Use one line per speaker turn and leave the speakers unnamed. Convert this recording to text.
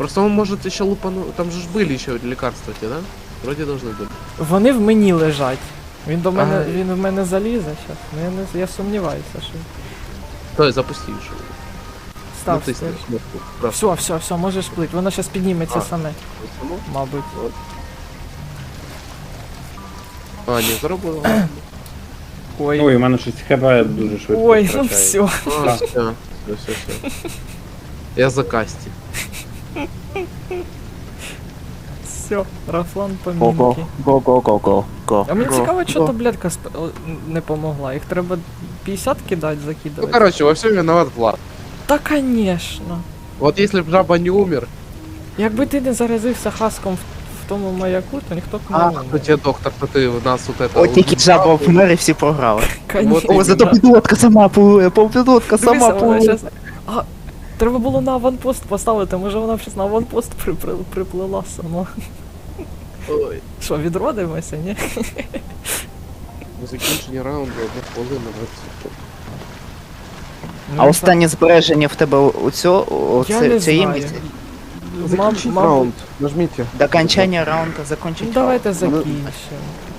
Просто он может еще лупануть. Там же ж были еще лекарства те, да? Вроде должны были.
Вони в мені лежать. Він до мене,
Ага.
він в мене залізе зараз. Ну я сумніваюся, що.
Стой, запусти еще.
Став,
Натисни
став.
кнопку. Раз.
Все, можеш плить. Воно зараз підніметься
А.
саме,
Само?
мабуть.
А, не зробило.
Ой.
Ой, у мене щось ХП дуже швидко
Ой, ну
втрачає.
все.
А, все. Я за касті.
Все, Рафлан
Го,
помінки.
го.
А мені цікаво, що таблетка не помогла. Їх треба 50 кидати,
Ну,
закидувати.
короче, во всем виноват Влад.
Та конечно.
Вот если б жаба не умер,
Якби ти не заразився хаском в тому маяку, то ніхто б не
а,
умер.
кто тебе доктор, то ты у нас вот это...
От тільки жаба вмер і всі програли.
Конечно.
О, зато підлодка сама плує, підлодка сама
Дивися, вона
плує.
щас- А, треба було на аванпост поставити, може вона б щас на аванпост приплила сама.
Ой,
Що, відродимося, ні?
закінчення раунду, 1 хвилина 20.
А останнє збереження в тебе у цього,
Я не
це є
знаю.
місце?
Мабуть,
Нажмите.
До окончання раунду
ну,
закончить.
давайте
раунд.
закінчимо.